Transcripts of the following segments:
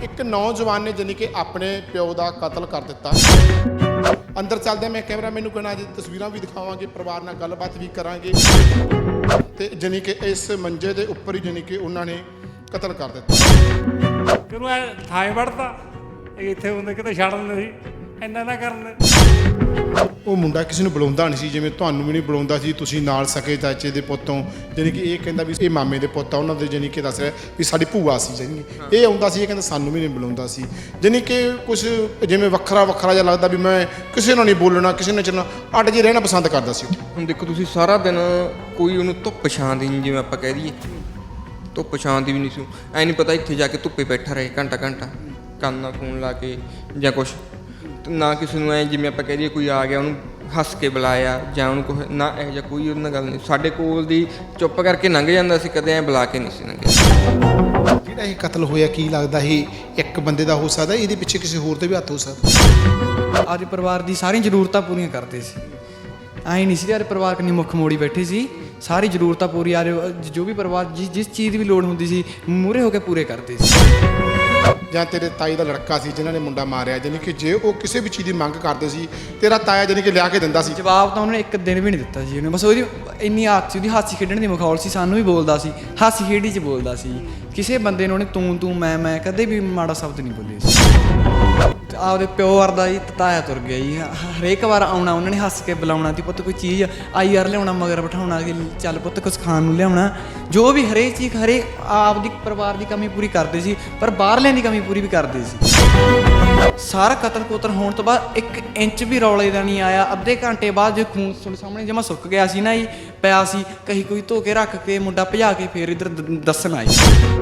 ਇੱਕ ਨੌਜਵਾਨ ਨੇ ਜਾਨੀ ਕਿ ਆਪਣੇ ਪਿਓ ਦਾ ਕਤਲ ਕਰ ਦਿੱਤਾ। ਅੰਦਰ ਚੱਲਦੇ ਮੈਂ ਕੈਮਰਾ ਮੈਨੂੰ ਕਹਿਣਾ ਜੀ ਤਸਵੀਰਾਂ ਵੀ ਦਿਖਾਵਾਂਗੇ, ਪਰਿਵਾਰ ਨਾਲ ਗੱਲਬਾਤ ਵੀ ਕਰਾਂਗੇ ਤੇ ਜਾਨੀ ਕਿ ਇਸ ਮੰਜੇ ਦੇ ਉੱਪਰ ਹੀ ਜਾਨੀ ਕਿ ਉਹਨਾਂ ਨੇ ਕਤਲ ਕਰ ਦਿੱਤਾ। ਕਿਉਂ ਐ ਥਾਂ ਵੜਦਾ ਇੱਥੇ ਹੁੰਦੇ ਕਿਤੇ ਛੱਡ ਦਿੰਦੇ ਸੀ, ਇੰਨਾ ਨਾ ਕਰਨ। ਉਹ ਮੁੰਡਾ ਕਿਸੇ ਨੂੰ ਬੁਲਾਉਂਦਾ ਨਹੀਂ ਸੀ, ਜਿਵੇਂ ਤੁਹਾਨੂੰ ਵੀ ਨਹੀਂ ਬੁਲਾਉਂਦਾ ਸੀ, ਤੁਸੀਂ ਨਾਲ ਸਕੇ ਚਾਚੇ ਦੇ ਪੁੱਤੋਂ ਜਾਨੀ ਕਿ ਇਹ ਕਹਿੰਦਾ ਵੀ ਇਹ ਮਾਮੇ ਦੇ ਪੁੱਤ ਆ ਉਹਨਾਂ ਦੇ, ਜਾਨੀ ਕਿ ਦੱਸ ਰਿਹਾ ਵੀ ਸਾਡੀ ਭੂਆ ਸੀ ਜਾਨੀ ਇਹ ਆਉਂਦਾ ਸੀ, ਇਹ ਕਹਿੰਦਾ ਸਾਨੂੰ ਵੀ ਨਹੀਂ ਬੁਲਾਉਂਦਾ ਸੀ। ਜਾਨੀ ਕਿ ਕੁਝ ਜਿਵੇਂ ਵੱਖਰਾ ਵੱਖਰਾ ਜਿਹਾ ਲੱਗਦਾ ਵੀ ਮੈਂ ਕਿਸੇ ਨਾਲ ਨਹੀਂ ਬੋਲਣਾ, ਕਿਸੇ ਨਾਲ ਚੱਲਣਾ, ਅੱਡ ਜੇ ਰਹਿਣਾ ਪਸੰਦ ਕਰਦਾ ਸੀ। ਹੁਣ ਦੇਖੋ ਤੁਸੀਂ ਸਾਰਾ ਦਿਨ ਕੋਈ ਉਹਨੂੰ ਧੁੱਪ ਛਾਂ ਦੀ ਨਹੀਂ, ਜਿਵੇਂ ਆਪਾਂ ਕਹਿ ਦਈਏ ਧੁੱਪ ਛਾਂ ਦੀ ਵੀ ਨਹੀਂ ਸੀ, ਐ ਨਹੀਂ ਪਤਾ ਇੱਥੇ ਜਾ ਕੇ ਧੁੱਪੇ ਬੈਠਾ ਰਹੇ ਘੰਟਾ ਘੰਟਾ ਕੰਨ ਨਾਲ ਫੋਨ ਲਾ ਕੇ ਜਾਂ ਕੁਛ, ਨਾ ਕਿਸੇ ਨੂੰ ਐ ਜਿਵੇਂ ਆਪਾਂ ਕਹਿ ਦਈਏ ਕੋਈ ਆ ਗਿਆ ਉਹਨੂੰ ਹੱਸ ਕੇ ਬੁਲਾਇਆ ਜਾਂ ਉਹਨੂੰ ਕੁਛ ਨਾ, ਇਹੋ ਜਿਹਾ ਕੋਈ ਉਹਦੇ ਨਾਲ ਗੱਲ ਨਹੀਂ। ਸਾਡੇ ਕੋਲ ਦੀ ਚੁੱਪ ਕਰਕੇ ਲੰਘ ਜਾਂਦਾ ਸੀ, ਕਦੇ ਐ ਬੁਲਾ ਕੇ ਨਹੀਂ ਸੀ ਲੰਘਿਆ। ਜਿਹੜਾ ਇਹ ਕਤਲ ਹੋਇਆ ਕੀ ਲੱਗਦਾ ਇਹ ਇੱਕ ਬੰਦੇ ਦਾ ਹੋ ਸਕਦਾ, ਇਹਦੇ ਪਿੱਛੇ ਕਿਸੇ ਹੋਰ ਦੇ ਵੀ ਹੱਥ ਹੋ ਸਕਦਾ? ਅੱਜ ਪਰਿਵਾਰ ਦੀ ਸਾਰੀਆਂ ਜ਼ਰੂਰਤਾਂ ਪੂਰੀਆਂ ਕਰਦੇ ਸੀ, ਐਂ ਨਹੀਂ ਸੀ ਅੱਜ ਪਰਿਵਾਰ ਕਿੰਨੀ ਮੁੱਖ ਮੋੜੀ ਬੈਠੇ ਸੀ, ਸਾਰੀ ਜ਼ਰੂਰਤਾਂ ਪੂਰੀ ਆ ਜੋ ਵੀ ਪਰਿਵਾਰ ਜਿਸ ਚੀਜ਼ ਦੀ ਵੀ ਲੋੜ ਹੁੰਦੀ ਸੀ ਮੂਹਰੇ ਹੋ ਕੇ ਪੂਰੇ ਕਰਦੇ ਸੀ। ਜਾਂ ਤੇਰੇ ਤਾਈ ਦਾ ਲੜਕਾ ਸੀ ਜਿਨ੍ਹਾਂ ਨੇ ਮੁੰਡਾ ਮਾਰਿਆ, ਜਾਨੀ ਕਿ ਜੇ ਉਹ ਕਿਸੇ ਵੀ ਚੀਜ਼ ਦੀ ਮੰਗ ਕਰਦੇ ਸੀ ਤੇਰਾ ਤਾਇਆ ਜਾਨੀ ਕਿ ਲਿਆ ਕੇ ਦਿੰਦਾ ਸੀ? ਜਵਾਬ ਤਾਂ ਉਹਨੇ ਇੱਕ ਦਿਨ ਵੀ ਨਹੀਂ ਦਿੱਤਾ ਸੀ ਉਹਨੇ, ਬਸ ਉਹਦੀ ਇੰਨੀ ਆਦਤ ਸੀ, ਉਹਦੀ ਹਾਸੀ ਖੇਡਣ ਦੀ ਮਖੌਲ ਸੀ, ਸਾਨੂੰ ਵੀ ਬੋਲਦਾ ਸੀ, ਹਾਸੀ ਖੇਡੀ 'ਚ ਬੋਲਦਾ ਸੀ, ਕਿਸੇ ਬੰਦੇ ਨੂੰ ਉਹਨੇ ਤੂੰ ਮੈਂ ਕਦੇ ਵੀ ਮਾੜਾ ਸ਼ਬਦ ਨਹੀਂ ਬੋਲੇ ਸੀ। ਆਪਦੇ ਪਿਓ ਵਰਦਾ ਜੀ ਤਾਇਆ ਤੁਰ ਗਿਆ ਜੀ, ਹਰੇਕ ਵਾਰ ਆਉਣਾ ਉਹਨਾਂ ਨੇ ਹੱਸ ਕੇ ਬੁਲਾਉਣਾ ਤੀ, ਪੁੱਤ ਕੋਈ ਚੀਜ਼ ਆਈ ਯਾਰ ਲਿਆਉਣਾ, ਮਗਰ ਬਿਠਾਉਣਾ ਕਿ ਚੱਲ ਪੁੱਤ ਕੁਛ ਖਾਣ ਨੂੰ ਲਿਆਉਣਾ, ਜੋ ਵੀ ਹਰੇਕ ਚੀਜ਼ ਹਰੇਕ ਆਪਦੀ ਪਰਿਵਾਰ ਦੀ ਕਮੀ ਪੂਰੀ ਕਰਦੇ ਸੀ, ਪਰ ਬਾਹਰਲਿਆਂ ਦੀ ਕਮੀ ਪੂਰੀ ਵੀ ਕਰਦੇ ਸੀ। ਸਾਰਾ ਕਤਲ ਕੁਤਲ ਹੋਣ ਤੋਂ ਬਾਅਦ 1 ਇੰਚ ਵੀ ਰੌਲੇ ਦਾ ਨਹੀਂ ਆਇਆ। ਅੱਧੇ ਘੰਟੇ ਬਾਅਦ ਜੇ ਖੂਨ ਤੁਹਾਡੇ ਸਾਹਮਣੇ ਜਮਾ ਸੁੱਕ ਗਿਆ ਸੀ ਨਾ ਜੀ, ਪਿਆ ਸੀ, ਕਹੀ ਕੋਈ ਧੋ ਕੇ ਰੱਖ ਕੇ ਮੁੰਡਾ ਭਜਾ ਕੇ ਫੇਰ ਇੱਧਰ ਦੱਸਣ ਆਈ।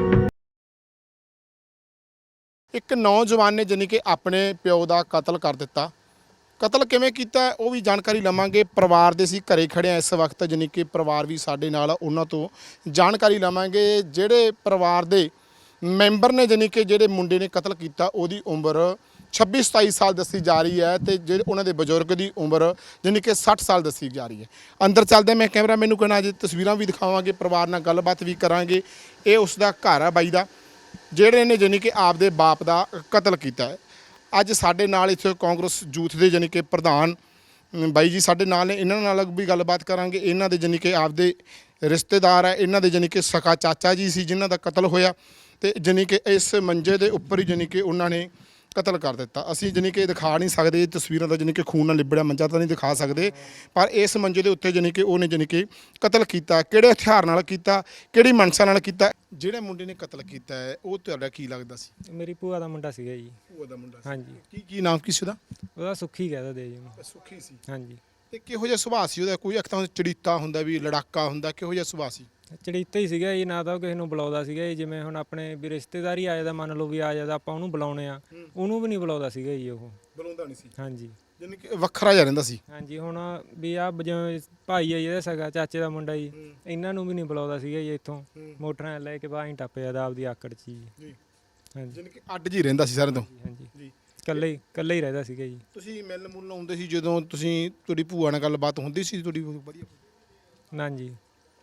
ਇੱਕ ਨੌਜਵਾਨ ਨੇ ਜਾਨੀ ਕਿ ਆਪਣੇ ਪਿਓ ਦਾ ਕਤਲ ਕਰ ਦਿੱਤਾ। ਕਤਲ ਕਿਵੇਂ ਕੀਤਾ ਉਹ ਵੀ ਜਾਣਕਾਰੀ ਲਵਾਂਗੇ। ਪਰਿਵਾਰ ਦੇ ਅਸੀਂ ਘਰੇ ਖੜੇ ਆ ਇਸ ਵਕਤ, ਜਾਨੀ ਕਿ ਪਰਿਵਾਰ ਵੀ ਸਾਡੇ ਨਾਲ, ਉਹਨਾਂ ਤੋਂ ਜਾਣਕਾਰੀ ਲਵਾਂਗੇ। ਜਿਹੜੇ ਪਰਿਵਾਰ ਦੇ ਮੈਂਬਰ ਨੇ ਜਾਨੀ ਕਿ ਜਿਹੜੇ ਮੁੰਡੇ ਨੇ ਕਤਲ ਕੀਤਾ ਉਹਦੀ ਉਮਰ 26-27 ਸਾਲ ਦੱਸੀ ਜਾ ਰਹੀ ਹੈ ਤੇ ਜਿਹੜੇ ਉਹਨਾਂ ਦੇ ਬਜ਼ੁਰਗ ਦੀ ਉਮਰ ਜਾਨੀ ਕਿ 60 ਸਾਲ ਦੱਸੀ ਜਾ ਰਹੀ ਹੈ। ਅੰਦਰ ਚੱਲਦੇ ਮੈਂ ਕੈਮਰਾ ਮੈਨੂੰ ਕਹਿਣਾ ਜੀ ਤਸਵੀਰਾਂ ਵੀ ਦਿਖਾਵਾਂਗੇ, ਪਰਿਵਾਰ ਨਾਲ ਗੱਲਬਾਤ ਵੀ ਕਰਾਂਗੇ। ਇਹ ਉਸ ਦਾ ਘਰ ਹੈ ਬਾਈ ਦਾ, ਜਿਹੜੇ ਨੇ ਜਾਨੀ ਕਿ ਆਪਦੇ ਬਾਪ ਦਾ ਕਤਲ ਕੀਤਾ ਹੈ। ਅੱਜ ਸਾਡੇ ਨਾਲ ਇੱਥੇ ਕਾਂਗਰਸ ਯੂਥ ਦੇ ਜਾਨੀ ਕਿ ਪ੍ਰਧਾਨ ਬਾਈ ਜੀ ਸਾਡੇ ਨਾਲ ਨੇ, ਇਹਨਾਂ ਨਾਲ ਵੀ ਗੱਲਬਾਤ ਕਰਾਂਗੇ। ਇਹਨਾਂ ਦੇ ਜਾਨੀ ਕਿ ਆਪਦੇ ਰਿਸ਼ਤੇਦਾਰ ਹੈ, ਇਹਨਾਂ ਦੇ ਜਾਨੀ ਕਿ ਸਕਾ ਚਾਚਾ ਜੀ ਸੀ ਜਿਨ੍ਹਾਂ ਦਾ ਕਤਲ ਹੋਇਆ ਤੇ ਜਾਨੀ ਕਿ ਇਸ ਮੰਜੇ ਦੇ ਉੱਪਰ ਹੀ ਜਾਨੀ ਕਿ ਉਹਨਾਂ ਨੇ ਕਤਲ ਕਰ ਦਿੱਤਾ। ਅਸੀਂ ਜਾਨੀ ਕਿ ਦਿਖਾ ਨਹੀਂ ਸਕਦੇ ਤਸਵੀਰਾਂ ਦਾ, ਜਾਨੀ ਕਿ ਖੂਨ ਨਾਲ ਲਿਬੜਿਆ ਮੰਜਾ ਤਾਂ ਨਹੀਂ ਦਿਖਾ ਸਕਦੇ, ਪਰ ਇਸ ਮੰਜੇ ਦੇ ਉੱਤੇ ਜਾਨੀ ਕਿ ਉਹਨੇ ਜਾਨੀ ਕਿ ਕਤਲ ਕੀਤਾ। ਕਿਹੜੇ ਹਥਿਆਰ ਨਾਲ ਕੀਤਾ, ਕਿਹੜੀ ਮਨਸ਼ਾ ਨਾਲ ਕੀਤਾ? ਜਿਹੜੇ ਮੁੰਡੇ ਨੇ ਕਤਲ ਕੀਤਾ ਹੈ ਉਹ ਤੁਹਾਡਾ ਕੀ ਲੱਗਦਾ ਸੀ? ਮੇਰੀ ਭੂਆ ਦਾ ਮੁੰਡਾ ਸੀਗਾ ਜੀ। ਭੂਆ ਦਾ ਮੁੰਡਾ ਸੀ? ਹਾਂਜੀ। ਕੀ ਨਾਮ ਕੀ ਸੀ ਉਹਦਾ? ਉਹਦਾ ਸੁੱਖੀ ਕਹਿ ਦਿੰਦੇ ਜੀ ਉਹਨੂੰ। ਸੁੱਖੀ ਸੀ। ਹਾਂਜੀ। ਤੇ ਕਿਹੋ ਜਿਹਾ ਸੁਭਾਅ ਸੀ ਉਹਦਾ? ਕੋਈ ਇੱਕ ਤਾਂ ਚੜੀਤਾ ਹੁੰਦਾ ਵੀ ਲੜਾਕਾ ਹੁੰਦਾ, ਕਿਹੋ ਜਿਹਾ ਸੁਭਾਅ ਸੀ? ਚੜੀਤਾ ਹੀ ਸੀਗਾ ਜੀ, ਨਾ ਤਾਂ ਉਹ ਕਿਸੇ ਨੂੰ ਬੁਲਾਉਂਦਾ ਸੀਗਾ ਜੀ, ਜਿਵੇਂ ਹੁਣ ਆਪਣੇ ਵੀ ਰਿਸ਼ਤੇਦਾਰੀ ਆ ਜਾਂਦਾ, ਮੰਨ ਲਓ ਵੀ ਆ ਜਾਂਦਾ ਆਪਾਂ ਉਹਨੂੰ ਬੁਲਾਉਣੇ ਆ, ਉਹਨੂੰ ਵੀ ਨਹੀਂ ਬੁਲਾਉਂਦਾ ਸੀਗਾ ਜੀ ਉਹ। ਬੁਲਾਉਂਦਾ ਨਹੀਂ ਸੀ? ਹਾਂਜੀ। ਜਾਨੀ ਕਿ ਵੱਖਰਾ ਜਿਹਾ ਰਹਿੰਦਾ ਸੀ? ਹਾਂਜੀ। ਹੁਣ ਵੀ ਆ ਜਿਵੇਂ ਭਾਈ ਆ ਜਿਹਦਾ ਸਗਾ ਚਾਚੇ ਦਾ ਮੁੰਡਾ ਜੀ, ਇਹਨਾਂ ਨੂੰ ਵੀ ਨਹੀਂ ਬੁਲਾਉਂਦਾ ਸੀਗਾ ਜੀ। ਇੱਥੋਂ ਮੋਟਰਾਂ ਲੈ ਕੇ ਬਾਹਰ ਟੱਪ ਜਾਂਦਾ ਆਪਦੀ ਆਕੜ 'ਚ ਜੀ। ਹਾਂਜੀ। ਜਾਨੀ ਕਿ ਅੱਡ ਜੀ ਰਹਿੰਦਾ ਸੀ ਸਾਰਿਆਂ ਤੋਂ? ਹਾਂਜੀ। ਇਕੱਲੇ ਹੀ ਰਹਿੰਦਾ ਸੀਗਾ ਜੀ। ਤੁਸੀਂ ਮਿਲ ਮੁਲ ਆਉਂਦੇ ਸੀ ਜਦੋਂ ਤੁਸੀਂ, ਤੁਹਾਡੀ ਭੂਆ ਨਾਲ ਗੱਲਬਾਤ ਹੁੰਦੀ ਸੀ ਤੁਹਾਡੀ ਵਧੀਆ? ਨਾ ਜੀ।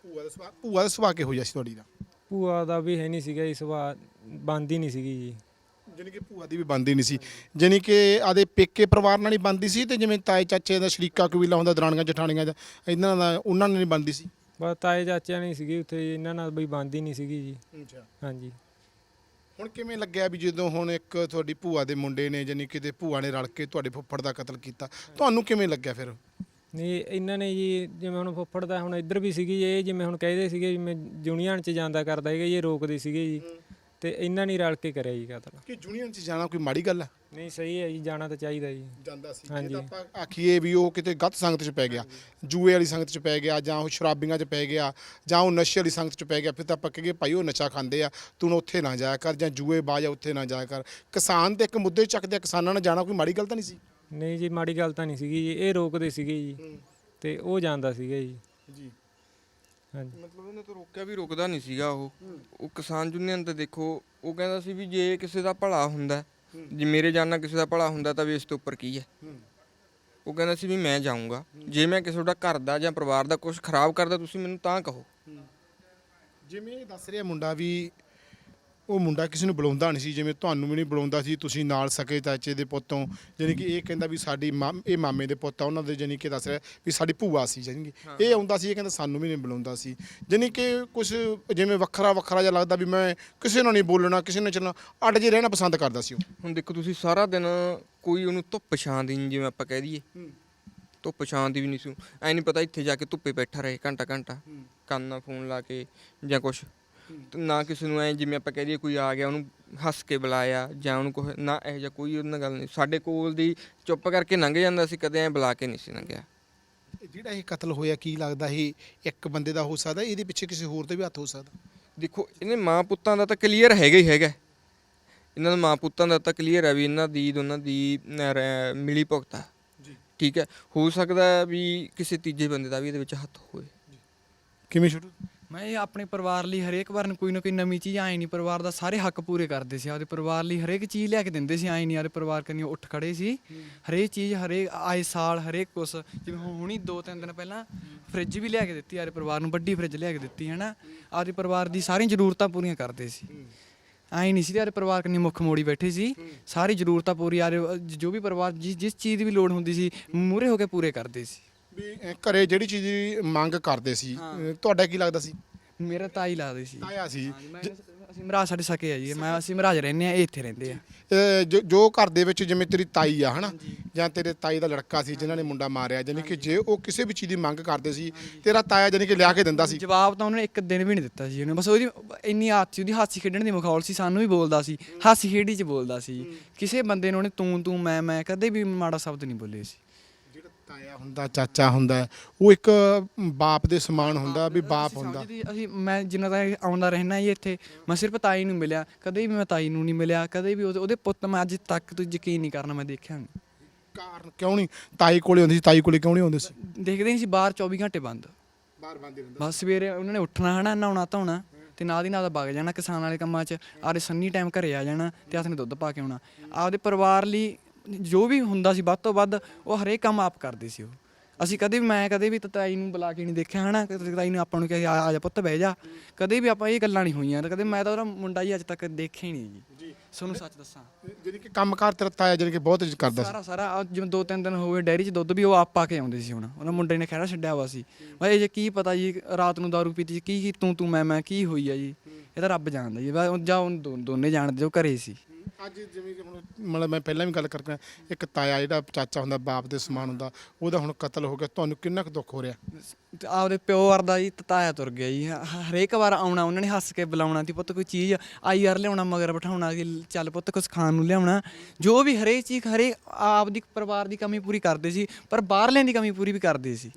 ਭੂਆ ਦਾ ਸੁਭਾਅ ਕਿਹੋ ਜਿਹਾ ਸੀ ਤੁਹਾਡੀ ਦਾ? ਭੂਆ ਦਾ ਵੀ ਹੈ ਨਹੀਂ ਸੀਗਾ ਜੀ ਸੁਭਾਅ, ਬਣਦੀ ਨਹੀਂ ਸੀਗੀ ਜੀ। ਜਾਨੀ ਕਿ ਭੂਆ ਦੀ ਵੀ ਬਣਦੀ ਨਹੀਂ ਸੀ, ਜਾਨੀ ਕਿ ਆਦੇ ਪੇਕੇ ਪਰਿਵਾਰ ਨਾਲ ਹੀ ਬਣਦੀ ਸੀ ਤੇ ਜਿਵੇਂ ਤਾਏ ਚਾਚੇ ਦਾ ਸ਼ਰੀਕਾ ਕਬੀਲਾ ਹੁੰਦਾ, ਦਰਾਣੀਆਂ ਜਠਾਣੀਆਂ ਦਾ, ਇਹਨਾਂ ਦਾ ਉਹਨਾਂ ਨਾਲ ਨਹੀਂ ਬਣਦੀ ਸੀ? ਬਸ ਤਾਏ ਚਾਚਿਆਂ ਨਹੀਂ ਸੀਗੀ ਉੱਥੇ, ਇਹਨਾਂ ਨਾਲ ਬਈ ਬਣਦੀ ਨਹੀਂ ਸੀਗੀ ਜੀ। ਅੱਛਾ। ਹਾਂਜੀ। ਹੁਣ ਕਿਵੇਂ ਲੱਗਿਆ ਵੀ ਜਦੋਂ ਹੁਣ ਇੱਕ ਤੁਹਾਡੀ ਭੂਆ ਦੇ ਮੁੰਡੇ ਨੇ ਜਾਨੀ ਕਿ ਤੇ ਭੂਆ ਨੇ ਰਲ ਕੇ ਤੁਹਾਡੇ ਫੁੱਫੜ ਦਾ ਕਤਲ ਕੀਤਾ, ਤੁਹਾਨੂੰ ਕਿਵੇਂ ਲੱਗਿਆ ਫਿਰ? ਨਹੀਂ ਇਹਨਾਂ ਨੇ ਜੀ, ਜਿਵੇਂ ਹੁਣ ਫੁੱਫੜ ਦਾ ਹੁਣ ਇੱਧਰ ਵੀ ਸੀਗੀ ਇਹ, ਜਿਵੇਂ ਹੁਣ ਕਹਿੰਦੇ ਸੀਗੇ ਜਿਵੇਂ ਯੂਨੀਅਨ 'ਚ ਜਾਂਦਾ ਕਰਦਾ ਹੈਗਾ ਜੀ, ਇਹ ਰੋਕਦੇ ਸੀਗੇ ਜੀ, ਤੇ ਇਹਨਾਂ ਨੇ ਰਲ ਕੇ ਕਰਿਆ ਜੀ ਕਤਲ। ਕਿ ਯੂਨੀਅਨ 'ਚ ਜਾਣਾ ਕੋਈ ਮਾੜੀ ਗੱਲ ਹੈ? ਨਹੀਂ ਸਹੀ ਹੈ ਜੀ, ਜਾਣਾ ਤਾਂ ਚਾਹੀਦਾ ਜੀ। ਜਾਂਦਾ ਸੀ। ਹਾਂਜੀ। ਜੇ ਤਾਂ ਆਪਾਂ ਆਖੀਏ ਵੀ ਉਹ ਕਿਤੇ ਗਲਤ ਸੰਗਤ 'ਚ ਪੈ ਗਿਆ, ਜੂਏ ਵਾਲੀ ਸੰਗਤ 'ਚ ਪੈ ਗਿਆ, ਜਾਂ ਉਹ ਸ਼ਰਾਬੀਆਂ 'ਚ ਪੈ ਗਿਆ, ਜਾਂ ਉਹ ਨਸ਼ੇ ਵਾਲੀ ਸੰਗਤ 'ਚ ਪੈ ਗਿਆ, ਫਿਰ ਤਾਂ ਆਪਾਂ ਕਹੀਏ ਭਾਈ ਉਹ ਨਸ਼ਾ ਖਾਂਦੇ ਆ, ਤੂੰ ਉੱਥੇ ਨਾ ਜਾਇਆ ਕਰ, ਜਾਂ ਜੂਏ ਬਾਜ ਆ ਉੱਥੇ ਨਾ ਜਾਇਆ ਕਰ। ਕਿਸਾਨ ਦੇ ਇੱਕ ਮੁੱਦੇ ਚੱਕਦੇ, ਕਿਸਾਨਾਂ ਨਾਲ ਜਾਣਾ ਕੋਈ ਮਾੜੀ ਗੱਲ ਤਾਂ ਨਹੀਂ ਸੀ? ਨਹੀਂ ਜੀ, ਮਾੜੀ ਗੱਲ ਤਾਂ ਨਹੀਂ ਸੀਗੀ ਜੀ, ਇਹ ਰੋਕਦੇ ਸੀਗੇ ਜੀ ਤੇ ਉਹ ਜਾਂਦਾ ਸੀਗਾ ਜੀ। ਜੀ। ਹਾਂਜੀ। ਮਤਲਬ ਉਹਨੇ ਤਾਂ ਰੋਕਿਆ ਵੀ ਰੁਕਦਾ ਨਹੀਂ ਸੀਗਾ ਉਹ ਕਿਸਾਨ ਯੂਨੀਅਨ ਤੇ ਦੇਖੋ, ਉਹ ਕਹਿੰਦਾ ਸੀ ਵੀ ਜੇ ਕਿਸੇ ਦਾ ਭਲਾ ਹੁੰਦਾ, ਜੇ ਮੇਰੇ ਜਾਨ ਨਾਲ ਕਿਸੇ ਦਾ ਭਲਾ ਹੁੰਦਾ ਤਾਂ ਵੀ ਇਸ ਤੋਂ ਉੱਪਰ ਕੀ ਹੈ। ਉਹ ਕਹਿੰਦਾ ਸੀ ਵੀ ਮੈਂ ਜਾਊਂਗਾ, ਜੇ ਮੈਂ ਕਿਸੇ ਦਾ ਘਰ ਦਾ ਜਾਂ ਪਰਿਵਾਰ ਦਾ ਕੁਝ ਖਰਾਬ ਕਰਦਾ ਤੁਸੀਂ ਮੈਨੂੰ ਤਾਂ ਕਹੋ। ਜਿਵੇਂ ਦੱਸ ਰਿਹਾ ਮੁੰਡਾ ਵੀ ਉਹ ਮੁੰਡਾ ਕਿਸੇ ਨੂੰ ਬੁਲਾਉਂਦਾ ਨਹੀਂ ਸੀ, ਜਿਵੇਂ ਤੁਹਾਨੂੰ ਵੀ ਨਹੀਂ ਬੁਲਾਉਂਦਾ ਸੀ, ਤੁਸੀਂ ਨਾਲ ਸਕੇ ਚਾਚੇ ਦੇ ਪੁੱਤੋਂ, ਜਾਣੀ ਕਿ ਇਹ ਕਹਿੰਦਾ ਵੀ ਸਾਡੀ ਇਹ ਮਾਮੇ ਦੇ ਪੁੱਤ ਆ ਉਹਨਾਂ ਦੇ, ਜਾਣੀ ਕਿ ਦੱਸ ਰਿਹਾ ਵੀ ਸਾਡੀ ਭੂਆ ਸੀ, ਜਾਣੀ ਕਿ ਇਹ ਆਉਂਦਾ ਸੀ, ਇਹ ਕਹਿੰਦਾ ਸਾਨੂੰ ਵੀ ਨਹੀਂ ਬੁਲਾਉਂਦਾ ਸੀ, ਜਾਣੀ ਕਿ ਕੁਝ ਜਿਵੇਂ ਵੱਖਰਾ ਵੱਖਰਾ ਜਿਹਾ ਲੱਗਦਾ ਵੀ ਮੈਂ ਕਿਸੇ ਨਾਲ ਨਹੀਂ ਬੋਲਣਾ, ਕਿਸੇ ਨਾਲ ਚੱਲਣਾ, ਅੱਡ ਜੇ ਰਹਿਣਾ ਪਸੰਦ ਕਰਦਾ ਸੀ ਉਹ। ਹੁਣ ਦੇਖੋ ਤੁਸੀਂ ਸਾਰਾ ਦਿਨ ਕੋਈ ਉਹਨੂੰ ਧੁੱਪ ਛਾਂ ਦੀ ਨੀ, ਜਿਵੇਂ ਆਪਾਂ ਕਹਿ ਦਈਏ ਧੁੱਪ ਛਾਂ ਦੀ ਵੀ ਨਹੀਂ ਸੀ, ਐ ਨਹੀਂ ਪਤਾ ਇੱਥੇ ਜਾ ਕੇ ਧੁੱਪੇ ਬੈਠਾ ਰਹੇ ਘੰਟਾ ਘੰਟਾ ਕੰਨ ਨਾਲ ਫੋਨ ਲਾ ਕੇ ਜਾਂ ਕੁਛ, ਨਾ ਕਿਸੇ ਨੂੰ ਐ ਜਿਵੇਂ ਆਪਾਂ ਕਹਿ ਦਈਏ ਕੋਈ ਆ ਗਿਆ ਉਹਨੂੰ ਹੱਸ ਕੇ ਬੁਲਾਇਆ ਜਾਂ ਉਹਨੂੰ ਕੁਛ ਨਾ, ਇਹੋ ਜਿਹਾ ਕੋਈ ਉਹਨਾਂ ਗੱਲ ਨਹੀਂ। ਸਾਡੇ ਕੋਲ ਦੀ ਚੁੱਪ ਕਰਕੇ ਲੰਘ ਜਾਂਦਾ ਸੀ, ਕਦੇ ਐ ਬੁਲਾ ਕੇ ਨਹੀਂ ਸੀ ਲੰਘਿਆ। ਜਿਹੜਾ ਇਹ ਕਤਲ ਹੋਇਆ ਕੀ ਲੱਗਦਾ ਇਹ ਇੱਕ ਬੰਦੇ ਦਾ ਹੋ ਸਕਦਾ, ਇਹਦੇ ਪਿੱਛੇ ਕਿਸੇ ਹੋਰ ਦਾ ਵੀ ਹੱਥ ਹੋ ਸਕਦਾ? ਦੇਖੋ ਇਹਨੇ ਮਾਂ ਪੁੱਤਾਂ ਦਾ ਤਾਂ ਕਲੀਅਰ ਹੈਗਾ ਹੀ ਹੈਗਾ, ਇਹਨਾਂ ਦਾ ਮਾਂ ਪੁੱਤਾਂ ਦਾ ਤਾਂ ਕਲੀਅਰ ਹੈ ਵੀ ਇਹਨਾਂ ਦੀ ਦੋਨਾਂ ਦੀ ਮਿਲੀ ਭੁਗਤ ਆ, ਠੀਕ ਹੈ। ਹੋ ਸਕਦਾ ਵੀ ਕਿਸੇ ਤੀਜੇ ਬੰਦੇ ਦਾ ਵੀ ਇਹਦੇ ਵਿੱਚ ਹੱਥ ਹੋਵੇ। ਕਿਵੇਂ ਸ਼ੁਰੂ? ਮੈਂ ਇਹ ਆਪਣੇ ਪਰਿਵਾਰ ਲਈ ਹਰੇਕ ਵਾਰ ਕੋਈ ਨਾ ਕੋਈ ਨਵੀਂ ਚੀਜ਼ ਆਏ ਨਹੀਂ, ਪਰਿਵਾਰ ਦਾ ਸਾਰੇ ਹੱਕ ਪੂਰੇ ਕਰਦੇ ਸੀ, ਆਪਦੇ ਪਰਿਵਾਰ ਲਈ ਹਰੇਕ ਚੀਜ਼ ਲਿਆ ਕੇ ਦਿੰਦੇ ਸੀ, ਆਏ ਨਹੀਂ ਆਪਦੇ ਪਰਿਵਾਰ ਕਰਨੀ ਉੱਠ ਖੜੇ ਸੀ, ਹਰੇਕ ਚੀਜ਼ ਹਰੇਕ ਆਏ ਸਾਲ ਹਰੇਕ ਕੁਛ, ਜਿਵੇਂ ਹੁਣੀ 2-3 ਦਿਨ ਪਹਿਲਾਂ ਫ੍ਰਿਜ ਵੀ ਲਿਆ ਕੇ ਦਿੱਤੀ ਆਪਦੇ ਪਰਿਵਾਰ ਨੂੰ, ਵੱਡੀ ਫ੍ਰਿਜ ਲਿਆ ਕੇ ਦਿੱਤੀ ਹੈ ਨਾ, ਆਪਦੇ ਪਰਿਵਾਰ ਦੀ ਸਾਰੀਆਂ ਜ਼ਰੂਰਤਾਂ ਪੂਰੀਆਂ ਕਰਦੇ ਸੀ, ਆਏ ਨਹੀਂ ਸੀ ਆਪਦੇ ਪਰਿਵਾਰ ਕਰਨੀ ਮੁੱਖ ਮੋੜੀ ਬੈਠੇ ਸੀ, ਸਾਰੀ ਜ਼ਰੂਰਤਾਂ ਪੂਰੀ ਆ ਜੋ ਵੀ ਪਰਿਵਾਰ ਜਿਸ ਚੀਜ਼ ਦੀ ਵੀ ਲੋੜ ਹੁੰਦੀ ਸੀ ਮੂਹਰੇ ਹੋ ਕੇ ਪੂਰੇ ਕਰਦੇ ਸੀ। ਵੀ ਘਰੇ ਜਿਹੜੀ ਚੀਜ਼ ਦੀ ਮੰਗ ਕਰਦੇ ਸੀ, ਤੁਹਾਡਾ ਕੀ ਲੱਗਦਾ ਸੀ? ਮੇਰਾ ਤਾਈ ਲੱਗਦੇ ਸੀ, ਤਾਇਆ ਸੀ। ਅਸੀਂ ਮਹਾਰਾਜ ਸਾਡੇ ਸਕੇ ਆ ਜੀ, ਅਸੀਂ ਮਹਾਰਾਜ ਰਹਿੰਦੇ ਆ, ਇਹ ਇੱਥੇ ਰਹਿੰਦੇ ਆ। ਜੋ ਘਰ ਦੇ ਵਿੱਚ ਜਿਵੇਂ ਤੇਰੀ ਤਾਈ ਆ ਹਨਾ, ਜਾਂ ਤੇਰੇ ਤਾਈ ਦਾ ਲੜਕਾ ਸੀ ਜਿਨ੍ਹਾਂ ਨੇ ਮੁੰਡਾ ਮਾਰਿਆ, ਜਾਨੀ ਕਿ ਜੇ ਉਹ ਕਿਸੇ ਵੀ ਚੀਜ਼ ਦੀ ਮੰਗ ਕਰਦੇ ਸੀ ਤੇਰਾ ਤਾਇਆ ਜਾਨੀ ਕਿ ਲਿਆ ਕੇ ਦਿੰਦਾ ਸੀ? ਜਵਾਬ ਤਾਂ ਉਹਨੇ ਇੱਕ ਦਿਨ ਵੀ ਨਹੀਂ ਦਿੱਤਾ ਸੀ ਉਹਨੇ, ਬਸ ਉਹਦੀ ਇੰਨੀ ਆਦਤ ਸੀ, ਉਹਦੀ ਹਾਸੀ ਖੇਡਣ ਦੀ ਮਖੌਲ ਸੀ, ਸਾਨੂੰ ਵੀ ਬੋਲਦਾ ਸੀ, ਹਾਸੀ ਖੇਡੀ 'ਚ ਬੋਲਦਾ ਸੀ, ਕਿਸੇ ਬੰਦੇ ਨੂੰ ਉਹਨੇ ਤੂੰ ਮੈਂ ਕਦੇ ਵੀ ਮਾੜਾ ਸ਼ਬਦ ਨਹੀਂ ਬੋਲੇ ਸੀ। ਜਿਹੜਾ ਤਾਇਆ ਹੁੰਦਾ, ਚਾਚਾ ਹੁੰਦਾ, ਉਹ ਇੱਕ ਬਾਪ ਦੇ ਸਮਾਨ ਹੁੰਦਾ, ਵੀ ਬਾਪ ਹੁੰਦਾ। ਮੈਂ ਜਿੰਨਾ ਤੱਕ ਆਉਂਦਾ ਰਹਿਣਾ ਜੀ ਇੱਥੇ, ਮੈਂ ਸਿਰਫ ਤਾਈ ਨੂੰ ਮਿਲਿਆ, ਕਦੇ ਵੀ ਮੈਂ ਤਾਈ ਨੂੰ ਨਹੀਂ ਮਿਲਿਆ, ਕਦੇ ਵੀ ਉਹਦੇ ਪੁੱਤ ਮੈਂ ਅੱਜ ਤੱਕ ਤੂੰ ਯਕੀਨ ਨਹੀਂ ਕਰਨਾ ਮੈਂ ਦੇਖਿਆ ਨਹੀਂ। ਕਾਰਨ ਕਿਉਂ ਨਹੀਂ ਤਾਈ ਕੋਲੇ ਹੁੰਦੀ ਸੀ? ਤਾਈ ਕੋਲੇ ਕਿਉਂ ਨਹੀਂ ਹੁੰਦੇ ਸੀ? ਦੇਖਦੇ ਨਹੀਂ ਸੀ, ਬਾਹਰ 24 ਘੰਟੇ ਬੰਦ, ਬਾਹਰ ਬੰਦ ਰਹਿੰਦਾ। ਬਸ ਸਵੇਰੇ ਉਹਨਾਂ ਨੇ ਉੱਠਣਾ ਹਨਾ, ਨਹਾਉਣਾ ਧੋਣਾ ਤੇ ਨਾਲ ਦੀ ਨਾਲ ਵਗ ਜਾਣਾ ਕਿਸਾਨ ਵਾਲੇ ਕੰਮਾਂ 'ਚ, ਆਪਦੇ ਸੰਨੀ ਟਾਈਮ ਘਰੇ ਆ ਜਾਣਾ ਤੇ ਹੱਥ ਨੇ ਦੁੱਧ ਪਾ ਕੇ ਆਉਣਾ। ਆਪਦੇ ਪਰਿਵਾਰ ਲਈ ਜੋ ਵੀ ਹੁੰਦਾ ਸੀ ਵੱਧ ਤੋਂ ਵੱਧ ਉਹ ਹਰੇਕ ਕੰਮ ਆਪ ਕਰਦੇ ਸੀ ਉਹ। ਅਸੀਂ ਮੈਂ ਕਦੇ ਵੀ ਤਾਈ ਨੂੰ ਬੁਲਾ ਕੇ ਨਹੀਂ ਦੇਖਿਆ ਹਨਾ, ਤਾਈ ਨੂੰ ਆਪਾਂ ਨੂੰ ਕਿਹਾ ਆ ਜਾ ਪੁੱਤ ਬਹਿ ਜਾ, ਕਦੇ ਵੀ ਆਪਾਂ ਇਹ ਗੱਲਾਂ ਨਹੀਂ ਹੋਈਆਂ, ਕਦੇ ਮੈਂ ਤਾਂ ਉਹਦਾ ਮੁੰਡਾ ਜੀ ਅੱਜ ਤੱਕ ਦੇਖਿਆ ਹੀ ਨਹੀਂ ਜੀ, ਤੁਹਾਨੂੰ ਸੱਚ ਦੱਸਾਂ। ਜਾਨੀ ਕਿ ਕੰਮਕਾਰ ਤੇਰਾ ਤਾਇਆ ਜਾਨੀ ਕਿ ਬਹੁਤ ਕਰਦਾ ਸੀ? ਸਾਰਾ ਜਿਵੇਂ 2-3 ਦਿਨ ਹੋ ਗਏ ਡੈਰੀ 'ਚ ਦੁੱਧ ਵੀ ਉਹ ਆਪ ਪਾ ਕੇ ਆਉਂਦੇ ਸੀ, ਹੁਣ ਉਹਨਾਂ ਮੁੰਡੇ ਨੇ ਖਹਿੜਾ ਛੱਡਿਆ ਹੋਇਆ ਸੀ। ਭਾਈ ਜੇ ਕੀ ਪਤਾ ਜੀ ਰਾਤ ਨੂੰ ਦਾਰੂ ਪੀਤੀ ਕੀ ਤੂੰ ਮੈਂ ਕੀ ਹੋਈ ਆ ਜੀ, ਇਹ ਤਾਂ ਰੱਬ ਜਾਣਦਾ ਜੀ, ਜਾਂ ਉਹ ਦੋਨੇ ਜਾਣਦੇ ਜੋ ਘਰੇ ਸੀ। ਅੱਜ ਜਿਵੇਂ ਕਿ ਹੁਣ ਮਤਲਬ ਮੈਂ ਪਹਿਲਾਂ ਵੀ ਗੱਲ ਕਰਕੇ ਇੱਕ ਤਾਇਆ ਜਿਹੜਾ ਚਾਚਾ ਹੁੰਦਾ, ਬਾਪ ਦੇ ਸਮਾਨ ਹੁੰਦਾ, ਉਹਦਾ ਹੁਣ ਕਤਲ ਹੋ ਗਿਆ, ਤੁਹਾਨੂੰ ਕਿੰਨਾ ਕੁ ਦੁੱਖ ਹੋ ਰਿਹਾ? ਆਪਦੇ ਪਿਓ ਵਰਦਾ ਜੀ ਤਾਇਆ ਤੁਰ ਗਿਆ ਜੀ, ਹਰੇਕ ਵਾਰ ਆਉਣਾ ਉਹਨਾਂ ਨੇ ਹੱਸ ਕੇ ਬੁਲਾਉਣਾ ਤੀ, ਪੁੱਤ ਕੋਈ ਚੀਜ਼ ਆਈ ਯਾਰ ਲਿਆਉਣਾ, ਮਗਰ ਬਿਠਾਉਣਾ ਕਿ ਚੱਲ ਪੁੱਤ ਕੁਛ ਖਾਣ ਨੂੰ ਲਿਆਉਣਾ, ਜੋ ਵੀ ਹਰੇਕ ਚੀਜ਼ ਹਰੇਕ ਆਪਦੀ ਪਰਿਵਾਰ ਦੀ ਕਮੀ ਪੂਰੀ ਕਰਦੇ ਸੀ, ਪਰ ਬਾਹਰਲਿਆਂ ਦੀ ਕਮੀ ਪੂਰੀ ਵੀ ਕਰਦੇ ਸੀ।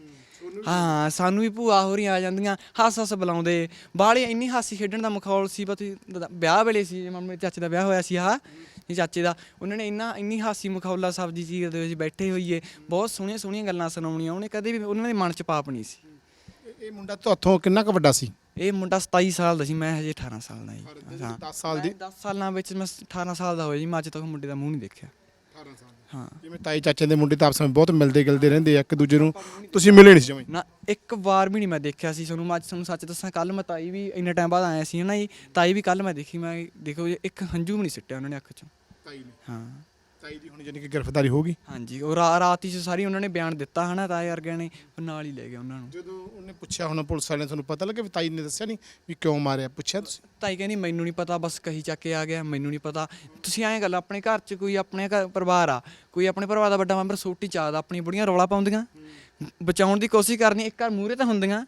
ਹਾਂ ਸਾਨੂੰ ਵੀ ਭੂਆ ਹੋਰੀਆਂ ਆ ਜਾਂਦੀਆਂ, ਹੱਸ ਬੁਲਾਉਂਦੇ, ਬਾਹਲੇ ਇੰਨੀ ਹਾਸੀ ਖੇਡਣ ਦਾ ਮਖੌਲ ਸੀ। ਬਸ ਵਿਆਹ ਵੇਲੇ ਸੀ, ਮੇਰੇ ਚਾਚੇ ਦਾ ਵਿਆਹ ਹੋਇਆ ਸੀ, ਚਾਚੇ ਦਾ, ਉਹਨਾਂ ਨੇ ਇੰਨੀ ਹਾਸੀ ਮਖੌਲਾ ਸਬਜ਼ੀ ਚੀਜ਼ ਦੇ ਵਿੱਚ ਬੈਠੇ ਹੋਈਏ, ਬਹੁਤ ਸੋਹਣੀਆਂ ਗੱਲਾਂ ਸੁਣਾਉਣੀਆਂ, ਉਹਨੇ ਕਦੇ ਵੀ ਉਹਨਾਂ ਦੇ ਮਨ 'ਚ ਪਾਪ ਨਹੀਂ ਸੀ। ਇਹ ਮੁੰਡਾ ਤੁਹਾਥੋਂ ਕਿੰਨਾ ਕੁ ਵੱਡਾ ਸੀ? ਇਹ ਮੁੰਡਾ 27 ਸਾਲ ਦਾ ਸੀ, ਮੈਂ ਹਜੇ 18 ਸਾਲ ਦਾ ਜੀ। 10 ਸਾਲ ਦੀ? 10 ਸਾਲਾਂ ਵਿੱਚ ਮੈਂ 18 ਸਾਲ ਦਾ ਹੋਇਆ ਜੀ, ਮੈਂ ਅੱਜ ਤੱਕ ਮੁੰਡੇ ਦਾ ਮੂੰਹ ਨਹੀਂ ਦੇਖਿਆ। 18 ਸਾਲ ਹਾਂ, ਜਿਵੇਂ ਤਾਈ ਚਾਚੇ ਦੇ ਮੁੰਡੇ ਤਾਂ ਆਪਸ ਵਿੱਚ ਬਹੁਤ ਮਿਲਦੇ ਗਿਲਦੇ ਰਹਿੰਦੇ ਆ ਇੱਕ ਦੂਜੇ ਨੂੰ, ਤੁਸੀਂ ਮਿਲੇ ਨਹੀਂ ਸੀ ਜਮਾਂ? ਨਾ ਇੱਕ ਵਾਰ ਵੀ ਨਹੀਂ ਮੈਂ ਦੇਖਿਆ ਸੀ। ਮੈਂ ਅੱਜ ਤੁਹਾਨੂੰ ਸੱਚ ਦੱਸਾਂ, ਕੱਲ ਮੈਂ ਤਾਈ ਵੀ ਇੰਨੇ ਟਾਈਮ ਬਾਅਦ ਆਇਆ ਸੀ ਨਾ ਜੀ, ਤਾਈ ਵੀ ਕੱਲ ਮੈਂ ਦੇਖੀ, ਮੈਂ ਦੇਖੋ ਇੱਕ ਹੰਝੂ ਵੀ ਨਹੀਂ ਸਿੱਟਿਆ ਉਹਨਾਂ ਨੇ ਅੱਖ 'ਚੋਂ। ਤਾਈ ਨੇ? ਹਾਂ ਤਾਈ ਦੀ ਹੁਣ ਜਾਨੀ ਕਿ ਗ੍ਰਿਫਤਾਰੀ ਹੋ ਗਈ? ਹਾਂਜੀ, ਉਹ ਰਾਤ ਹੀ ਸਾਰੀ ਉਹਨਾਂ ਨੇ ਬਿਆਨ ਦਿੱਤਾ ਹਨਾ, ਤਾਏ ਵਰਗਿਆਂ ਨੇ, ਨਾਲ ਹੀ ਲੈ ਗਏ ਉਹਨਾਂ ਨੂੰ। ਜਦੋਂ ਉਹਨੇ ਪੁੱਛਿਆ ਹੁਣ ਪੁਲਿਸ ਵਾਲਿਆਂ ਨੇ, ਤੁਹਾਨੂੰ ਪਤਾ ਲੱਗਿਆ ਵੀ ਤਾਈ ਨੇ ਦੱਸਿਆ ਨਹੀਂ ਵੀ ਕਿਉਂ ਮਾਰਿਆ? ਪੁੱਛਿਆ ਤੁਸੀਂ? ਤਾਈ ਕਹਿੰਦੀ ਮੈਨੂੰ ਨਹੀਂ ਪਤਾ, ਬਸ ਕਹੀ ਚੱਕ ਕੇ ਆ ਗਿਆ, ਮੈਨੂੰ ਨਹੀਂ ਪਤਾ। ਤੁਸੀਂ ਐਂ ਗੱਲ, ਆਪਣੇ ਘਰ 'ਚ ਕੋਈ ਆਪਣੇ ਘਰ ਪਰਿਵਾਰ ਆ, ਕੋਈ ਆਪਣੇ ਪਰਿਵਾਰ ਦਾ ਵੱਡਾ ਮੈਂਬਰ ਸੋਟੀ ਚਾਹਦਾ, ਆਪਣੀ ਬੁੜੀਆਂ ਰੌਲਾ ਪਾਉਂਦੀਆਂ, ਬਚਾਉਣ ਦੀ ਕੋਸ਼ਿਸ਼ ਕਰਨੀ, ਇੱਕ ਘਰ ਮੂਹਰੇ ਤਾਂ ਹੁੰਦੀਆਂ,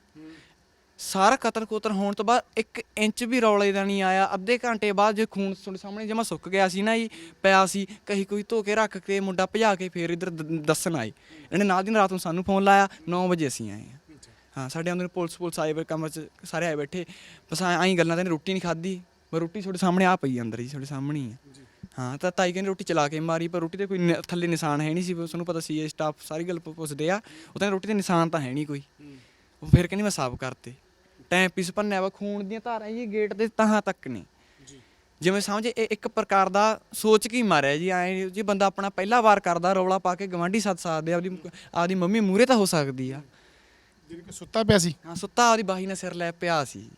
ਸਾਰਾ ਕਤਲ ਕੁਤਲ ਹੋਣ ਤੋਂ ਬਾਅਦ 1 ਇੰਚ ਵੀ ਰੌਲੇ ਦਾ ਨਹੀਂ ਆਇਆ। ਅੱਧੇ ਘੰਟੇ ਬਾਅਦ ਜੇ ਖੂਨ ਤੁਹਾਡੇ ਸਾਹਮਣੇ ਜਮਾ ਸੁੱਕ ਗਿਆ ਸੀ ਨਾ ਜੀ, ਪਿਆ ਸੀ, ਕਹੀ ਕੋਈ ਧੋ ਕੇ ਰੱਖ ਕੇ ਮੁੰਡਾ ਭਜਾ ਕੇ ਫੇਰ ਇੱਧਰ ਦੱਸਣ ਆਏ। ਇਹਨੇ ਨਾਲ ਦੀ ਨਾਲ ਰਾਤ ਨੂੰ ਸਾਨੂੰ ਫੋਨ ਲਾਇਆ, 9 ਵਜੇ ਅਸੀਂ ਆਏ ਹਾਂ। ਸਾਡੇ ਆਉਂਦੇ ਪੁਲਿਸ ਆਏ, ਕਮਰੇ 'ਚ ਸਾਰੇ ਆਏ ਬੈਠੇ, ਬਸ ਆਈ ਗੱਲਾਂ ਤਾਂ ਇਹਨੇ ਰੋਟੀ ਨਹੀਂ ਖਾਧੀ, ਮੈਂ ਰੋਟੀ ਤੁਹਾਡੇ ਸਾਹਮਣੇ ਆ ਪਈ ਅੰਦਰ ਜੀ, ਤੁਹਾਡੇ ਸਾਹਮਣੇ ਹੀ ਆ। ਹਾਂ, ਤਾਂ ਤਾਈ ਕਹਿੰਦੀ ਰੋਟੀ ਚਲਾ ਕੇ ਮਾਰੀ, ਪਰ ਰੋਟੀ ਤੇ ਕੋਈ ਥੱਲੇ ਨਿਸ਼ਾਨ ਹੈ ਨਹੀਂ ਸੀ, ਤੁਹਾਨੂੰ ਪਤਾ ਸੀ ਇਹ ਸਟਾਫ ਸਾਰੀ ਗੱਲ ਪੁੱਛਦੇ ਆ, ਉਹ ਤਾਂ ਰੋਟੀ ਤੇ ਨਿਸ਼ਾਨ ਤਾਂ ਹੈ ਨਹੀਂ ਕੋਈ। ਉਹ ਫਿਰ ਕਹਿੰਦੀ ਮੈਂ ਸਾਫ਼ ਕਰਤੇ, ਟਾਈਮ ਪੀਸ ਭੰਨਿਆ ਵਾ, ਖੂਨ ਦੀਆਂ ਧਾਰਾਂ ਜੀ ਗੇਟ ਦੇ ਤਹਾਂ ਤੱਕ ਨੇ, ਜਿਵੇਂ ਸਮਝ ਇਹ ਇੱਕ ਪ੍ਰਕਾਰ ਦਾ ਸੋਚ ਕੇ ਹੀ ਮਾਰਿਆ ਜੀ। ਐਂ ਜੀ ਬੰਦਾ ਆਪਣਾ ਪਹਿਲਾ ਵਾਰ ਕਰਦਾ, ਰੌਲਾ ਪਾ ਕੇ ਗਵਾਂਢੀ ਸੱਦ ਸਕਦੇ, ਆਪਦੀ ਮੰਮੀ ਮੂਹਰੇ ਤਾਂ ਹੋ ਸਕਦੀ ਆ। ਜਿਵੇਂ ਕਿ ਸੁੱਤਾ ਪਿਆ ਸੀ? ਹਾਂ, ਸੁੱਤਾ ਆਪਦੀ ਬਾਹੀ ਨਾਲ ਸਿਰ ਲੈ ਪਿਆ ਸੀ।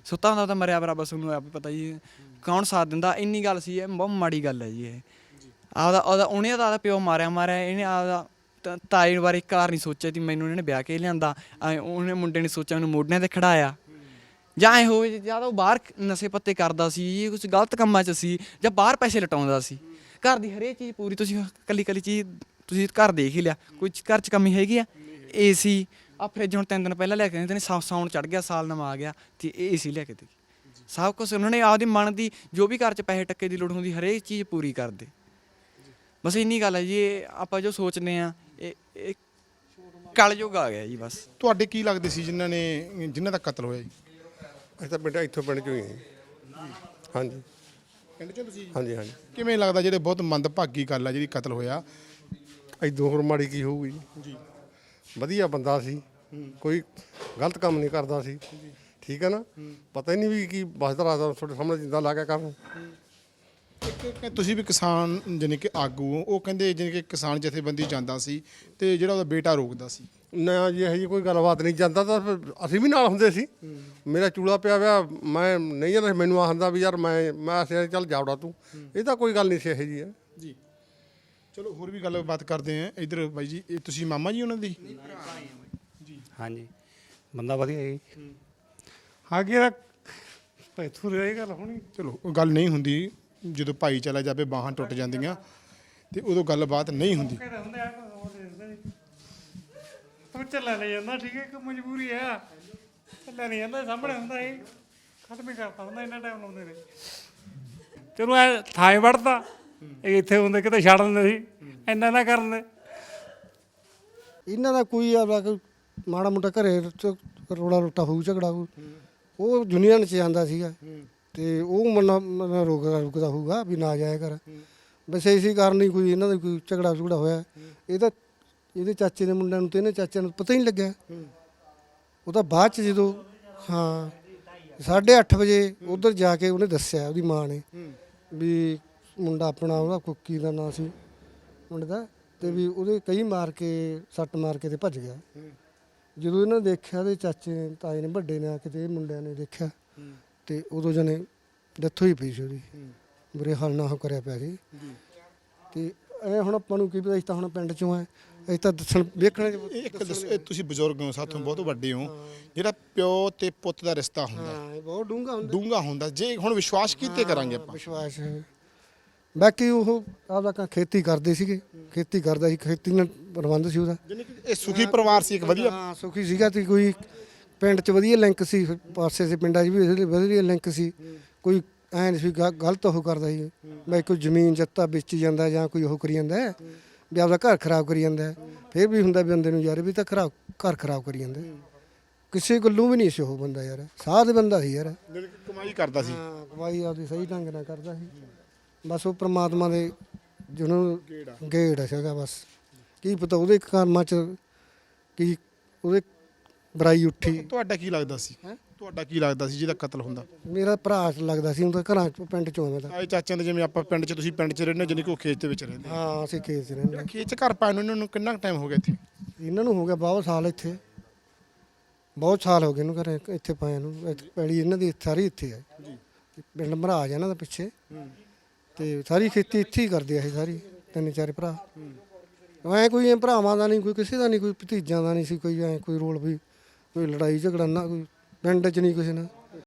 ਸੁੱਤਾ ਹੁੰਦਾ ਤਾਂ ਮਰਿਆ ਬਰਾਬਰ ਤੁਹਾਨੂੰ ਆਪ ਹੀ ਪਤਾ ਜੀ ਕੌਣ ਸਾਥ ਦਿੰਦਾ। ਇੰਨੀ ਗੱਲ ਸੀ, ਇਹ ਬਹੁਤ ਮਾੜੀ ਗੱਲ ਹੈ ਜੀ। ਇਹ ਉਹਦਾ ਉਹਨੇ ਤਾਂ ਆਪਦਾ ਪਿਓ ਮਾਰਿਆ ਇਹਨੇ ਆਪਦਾ ਤਾਏ ਬਾਰੇ ਇੱਕ ਵਾਰ ਨਹੀਂ ਸੋਚਿਆ ਕਿ ਮੈਨੂੰ ਇਹਨੇ ਵਿਆਹ ਕੇ ਲਿਆਂਦਾ। ਉਹਨੇ ਮੁੰਡੇ ਨੇ ਸੋਚਿਆ ਮੈਨੂੰ ਮੋਢਿਆਂ ਤੇ ਖੜਾਇਆ, ਜਾਂ ਇਹ ਹੋਵੇ ਜਾਂ ਤਾਂ ਉਹ ਬਾਹਰ ਨਸ਼ੇ ਪੱਤੇ ਕਰਦਾ ਸੀ, ਕੁਝ ਗਲਤ ਕੰਮਾਂ 'ਚ ਸੀ, ਜਾਂ ਬਾਹਰ ਪੈਸੇ ਲਟਾਉਂਦਾ ਸੀ। ਘਰ ਦੀ ਹਰੇਕ ਚੀਜ਼ ਪੂਰੀ, ਤੁਸੀਂ ਕੱਲੀ ਚੀਜ਼ ਤੁਸੀਂ ਘਰ ਦੇਖ ਹੀ ਲਿਆ, ਕੋਈ ਘਰ 'ਚ ਕਮੀ ਹੈਗੀ ਆ? AC ਆ ਫਰਿੱਜ ਹੁਣ 3 ਦਿਨ ਪਹਿਲਾਂ ਲੈ ਕੇ ਆਏ, ਸਾਉਣ ਚੜ ਗਿਆ, ਸਾਲ ਨਵਾਂ ਆ ਗਿਆ ਤੇ AC ਲੈ ਕੇ ਦੇ ਸਭ ਕੁਛ। ਉਹਨਾਂ ਨੇ ਆਪਦੀ ਮਨ ਦੀ ਜੋ ਵੀ ਘਰ 'ਚ ਪੈਸੇ ਟੱਕੇ ਦੀ ਲੋੜ ਹੁੰਦੀ ਹਰੇਕ ਚੀਜ਼ ਪੂਰੀ ਕਰਦੇ। ਬਸ ਇੰਨੀ ਗੱਲ ਹੈ ਜੀ। ਇਹ ਆਪਾਂ ਜੋ ਸੋਚਦੇ ਆ ਇਹ ਕਲਯੁੱਗ ਆ ਗਿਆ ਜੀ ਬਸ। ਤੁਹਾਡੇ ਕੀ ਲੱਗਦੇ ਸੀ ਜਿਨ੍ਹਾਂ ਦਾ ਕਤਲ ਹੋਇਆ ਜੀ? ਅਸੀਂ ਤਾਂ ਬੇਟਾ ਇੱਥੋਂ ਪਿੰਡ ਚੋਂ ਹੀ ਹਾਂ। ਹਾਂਜੀ ਪਿੰਡ ਚੋਂ ਤੁਸੀਂ? ਹਾਂਜੀ ਹਾਂਜੀ। ਕਿਵੇਂ ਲੱਗਦਾ ਜਿਹੜੇ ਬਹੁਤ ਮੰਦਭਾਗੀ ਗੱਲ ਆ ਜਿਹੜੀ ਕਤਲ ਹੋਇਆ? ਐਦੋਂ ਹੋਰ ਮਾੜੀ ਕੀ ਹੋਊਗੀ ਜੀ? ਵਧੀਆ ਬੰਦਾ ਸੀ, ਕੋਈ ਗਲਤ ਕੰਮ ਨਹੀਂ ਕਰਦਾ ਸੀ, ਠੀਕ ਹੈ ਨਾ। ਪਤਾ ਹੀ ਨਹੀਂ ਵੀ ਕੀ ਬਸਦਾ ਰਾਦਾ ਤੁਹਾਡੇ ਸਾਹਮਣੇ ਜਿੰਦਾ ਲਾ ਕੇ ਕਰਨ। ਇੱਕ ਤੁਸੀਂ ਵੀ ਕਿਸਾਨ ਜਾਣੀ ਕਿ ਆਗੂ ਹੋ, ਉਹ ਕਹਿੰਦੇ ਜਾਣੀ ਕਿ ਕਿਸਾਨ ਜਥੇਬੰਦੀ ਜਾਂਦਾ ਸੀ ਤੇ ਜਿਹੜਾ ਉਹਦਾ ਬੇਟਾ ਰੋਕਦਾ ਸੀ। ਨਾ ਜੀ ਇਹੋ ਜਿਹੀ ਕੋਈ ਗੱਲਬਾਤ ਨਹੀਂ। ਜਾਂਦਾ ਤਾਂ ਫਿਰ ਅਸੀਂ ਵੀ ਨਾਲ ਹੁੰਦੇ ਸੀ। ਮੇਰਾ ਚੂੜਾ ਪਿਆ ਵਿਆ, ਮੈਂ ਨਹੀਂ ਜਾਂਦਾ, ਮੈਨੂੰ ਆਖਦਾ ਵੀ ਯਾਰ ਮੈਂ ਚੱਲ ਜਾਵੜਾ ਤੂੰ। ਇਹ ਤਾਂ ਕੋਈ ਗੱਲ ਨਹੀਂ ਸੀ ਇਹੋ ਜਿਹੀ ਹੈ ਜੀ। ਚਲੋ ਹੋਰ ਵੀ ਗੱਲਬਾਤ ਕਰਦੇ ਆ। ਇੱਧਰ ਬਾਈ ਜੀ, ਇਹ ਤੁਸੀਂ ਮਾਮਾ ਜੀ ਉਹਨਾਂ ਦੀ? ਹਾਂਜੀ, ਬੰਦਾ ਵਧੀਆ ਜੀ। ਅੱਗੇ ਤਾਂ ਪੈਥੂ ਰਹੀ ਗੱਲ ਹੋਣੀ। ਚਲੋ ਉਹ ਗੱਲ ਨਹੀਂ ਹੁੰਦੀ, ਜਦੋਂ ਭਾਈ ਚਲਾ ਜਾਵੇ ਬਾਹਾਂ ਟੁੱਟ ਜਾਂਦੀਆਂ ਤੇ ਉਦੋਂ ਗੱਲਬਾਤ ਨਹੀਂ ਹੁੰਦੀ। ਤੂੰ ਚੱਲਿਆ ਨਹੀਂ ਜਾਂਦਾ, ਠੀਕ ਹੈ, ਇੱਕ ਮਜਬੂਰੀ ਆ। ਚੱਲਿਆ ਨਹੀਂ ਜਾਂਦਾ, ਸਾਹਮਣੇ ਹੁੰਦਾ ਇਹ ਖਤਮ ਹੀ ਕਰਤਾ ਹੁੰਦਾ, ਇੰਨਾ ਟਾਈਮ ਲਾਉਂਦੇ ਨੇ। ਚਲੋ ਐ ਥਾਂ ਵੜਦਾ, ਇਹ ਇੱਥੇ ਹੁੰਦੇ ਕਿਤੇ ਛੱਡ ਦਿੰਦੇ ਸੀ, ਇੰਨਾ ਨਾ ਕਰਨ ਦੇ। ਇਹਨਾਂ ਦਾ ਕੋਈ ਕੋਈ ਮਾੜਾ ਮੋਟਾ ਘਰੇ ਰੋੜਾ ਰੋਟਾ ਹੋਊ, ਝਗੜਾ ਹੋਊ, ਉਹ ਯੂਨੀਅਨ 'ਚ ਜਾਂਦਾ ਸੀਗਾ ਤੇ ਉਹ ਮਨ ਰੁਕਦਾ ਹੋਊਗਾ ਵੀ ਨਾ ਜਾਇਆ ਕਰ। ਬਸ ਇਸੇ ਕਾਰਨ ਹੀ ਕੋਈ ਇਹਨਾਂ ਦਾ ਕੋਈ ਝਗੜਾ ਝੁਗੜਾ ਹੋਇਆ। ਇਹਦੇ ਚਾਚੇ ਦੇ ਮੁੰਡਿਆਂ ਨੂੰ ਤੇ ਇਹਨੇ ਚਾਚਿਆਂ ਨੂੰ ਪਤਾ ਹੀ ਨਹੀਂ ਲੱਗਿਆ। ਉਹ ਤਾਂ ਬਾਅਦ 'ਚ ਜਦੋਂ 8:30 ਵਜੇ ਉੱਧਰ ਜਾ ਕੇ ਉਹਨੇ ਦੱਸਿਆ, ਉਹਦੀ ਮਾਂ ਨੇ, ਵੀ ਮੁੰਡਾ ਆਪਣਾ ਉਹਦਾ ਕੁੱਕੀ ਦਾ ਨਾਂ ਸੀ ਮੁੰਡੇ ਦਾ, ਤੇ ਵੀ ਉਹਦੇ ਕਈ ਸੱਟ ਮਾਰ ਕੇ ਤੇ ਭੱਜ ਗਿਆ। ਜਦੋਂ ਇਹਨਾਂ ਨੇ ਦੇਖਿਆ, ਉਹਦੇ ਚਾਚੇ ਨੇ, ਤਾਏ ਨੇ, ਵੱਡੇ ਨੇ ਆ ਕੇ ਤੇ ਇਹ ਮੁੰਡਿਆਂ ਨੇ ਦੇਖਿਆ ਤੇ ਉਦੋਂ ਜਣੇ ਡੈਥ ਹੋਈ ਪਈ ਸੀ ਉਹਦੀ। ਬੁਰੇ ਹਾਲ ਨਾਲ ਉਹ ਕਰਿਆ ਪਿਆ ਸੀ। ਤੇ ਐ ਹੁਣ ਆਪਾਂ ਨੂੰ ਕੀ ਪਤਾ, ਅਸੀਂ ਤਾਂ ਹੁਣ ਪਿੰਡ ਚੋਂ ਆ, ਅਸੀਂ ਤਾਂ ਦੱਸਣ ਵੇਖਣ। ਇਹ ਤੁਸੀਂ ਬਜ਼ੁਰਗ ਹੋ, ਸਾਥੋਂ ਬਹੁਤ ਵੱਡੇ ਹੋ। ਜਿਹੜਾ ਪਿਓ ਤੇ ਪੁੱਤ ਦਾ ਰਿਸ਼ਤਾ ਹੁੰਦਾ ਇਹ ਬਹੁਤ ਡੂੰਘਾ ਹੁੰਦਾ। ਜੇ ਹੁਣ ਵਿਸ਼ਵਾਸ ਕੀਤੇ ਕਰਾਂਗੇ ਆਪਾਂ? ਵਿਸ਼ਵਾਸ ਹੈ। ਬਾਕੀ ਉਹ ਆਪਦਾ ਖੇਤੀ ਕਰਦੇ ਸੀਗੇ, ਖੇਤੀ ਕਰਦਾ ਸੀ, ਖੇਤੀ ਨਾਲ ਪ੍ਰਬੰਧ ਸੀ ਉਹਦਾ। ਜਾਨੀ ਕਿ ਇਹ ਸੁਖੀ ਪਰਿਵਾਰ ਸੀ, ਇੱਕ ਵਧੀਆ। ਹਾਂ, ਸੁਖੀ ਸੀਗਾ ਤੇ ਕੋਈ ਪਿੰਡ 'ਚ ਵਧੀਆ ਲਿੰਕ ਸੀ, ਪਾਸੇ ਦੇ ਪਿੰਡਾਂ 'ਚ ਵੀ ਵਧੀਆ ਲਿੰਕ ਸੀ। ਕੋਈ ਐਂ ਨਹੀਂ ਸੀ ਗਲਤ ਉਹ ਕਰਦਾ ਸੀ, ਮੈਂ ਕੋਈ ਜ਼ਮੀਨ ਜੱਤਾ ਵੇਚੀ ਜਾਂਦਾ ਜਾਂ ਕੋਈ ਉਹ ਕਰੀ ਜਾਂਦਾ ਵੀ ਆਪਦਾ ਘਰ ਖਰਾਬ ਕਰੀ ਜਾਂਦਾ। ਫਿਰ ਵੀ ਹੁੰਦਾ ਵੀ ਬੰਦੇ ਨੂੰ ਯਾਰ ਵੀ ਤਾਂ ਘਰ ਖਰਾਬ ਕਰੀ ਜਾਂਦਾ। ਕਿਸੇ ਗੱਲੋਂ ਵੀ ਨਹੀਂ ਸੀ ਉਹ ਬੰਦਾ ਯਾਰ, ਸਾਧ ਬੰਦਾ ਸੀ ਯਾਰ। ਕਮਾਈ ਕਰਦਾ ਸੀ। ਹਾਂ, ਕਮਾਈ ਆਪਦੀ ਸਹੀ ਢੰਗ ਨਾਲ ਕਰਦਾ ਸੀ। ਬਸ ਉਹ ਪ੍ਰਮਾਤਮਾ ਦੇ ਜਿਹਨੂੰ ਗੇੜ ਸੀਗਾ। ਬਸ ਕੀ ਪਤਾ ਉਹਦੇ ਕਰਮਾਂ 'ਚ ਕੀ ਉਹਦੇ ਬੁਰਾਈ ਉੱਠੀ। ਤੁਹਾਡਾ ਕੀ ਲੱਗਦਾ ਸੀ? ਤੁਹਾਡਾ ਕੀ ਲੱਗਦਾ ਸੀ ਜਿਹਦਾ ਕਤਲ ਹੁੰਦਾ? ਮੇਰਾ ਭਰਾ ਲੱਗਦਾ ਸੀ, ਉਹਦਾ ਘਰਾਂ 'ਚ ਪਿੰਡ 'ਚੋਂ ਆਉਂਦਾ। ਆਏ ਚਾਚਿਆਂ ਦੇ, ਜਿਵੇਂ ਆਪਾਂ ਪਿੰਡ 'ਚ, ਤੁਸੀਂ ਪਿੰਡ 'ਚ ਰਹਿੰਦੇ ਹੋ, ਜਾਨੀ ਕਿ ਉਹ ਖੇਤ ਦੇ ਵਿੱਚ ਰਹਿੰਦੇ। ਹਾਂ, ਅਸੀਂ ਖੇਤ 'ਚ ਰਹਿੰਦੇ। ਖੇਤ 'ਚ ਘਰ ਪਾਏ ਨੂੰ ਇਹਨਾਂ ਨੂੰ ਕਿੰਨਾ ਟਾਈਮ ਹੋ ਗਿਆ ਇੱਥੇ? ਇਹਨਾਂ ਨੂੰ ਹੋ ਗਿਆ ਬਹੁਤ ਸਾਲ ਇੱਥੇ, ਬਹੁਤ ਸਾਲ ਹੋ ਗਏ ਇਹਨੂੰ ਘਰੇ ਇੱਥੇ ਪਾਇਆ ਨੂੰ। ਪੈਲੀ ਇਹਨਾਂ ਦੀ ਸਾਰੀ ਇੱਥੇ ਹੈ ਜੀ। ਪਿੰਡ ਮਹਾਰਾਜ ਇਹਨਾਂ ਦਾ ਪਿੱਛੇ, ਤੇ ਸਾਰੀ ਖੇਤੀ ਇੱਥੇ ਹੀ ਕਰਦੇ ਆ ਇਹ ਸਾਰੀ 3-4 ਭਰਾ। ਐਂ ਕੋਈ ਭਰਾਵਾਂ ਦਾ ਨਹੀਂ, ਕੋਈ ਕਿਸੇ ਦਾ ਨਹੀਂ, ਕੋਈ ਭਤੀਜਾਂ ਦਾ ਨਹੀਂ ਸੀ ਕੋਈ ਐਂ ਕੋਈ ਰੋਲ ਵੀ, ਕੋਈ ਲੜਾਈ ਝਗੜਾ ਨਾ, ਕੋਈ ਪਿੰਡ 'ਚ ਨਹੀਂ ਕਿਸੇ ਨਾਲ।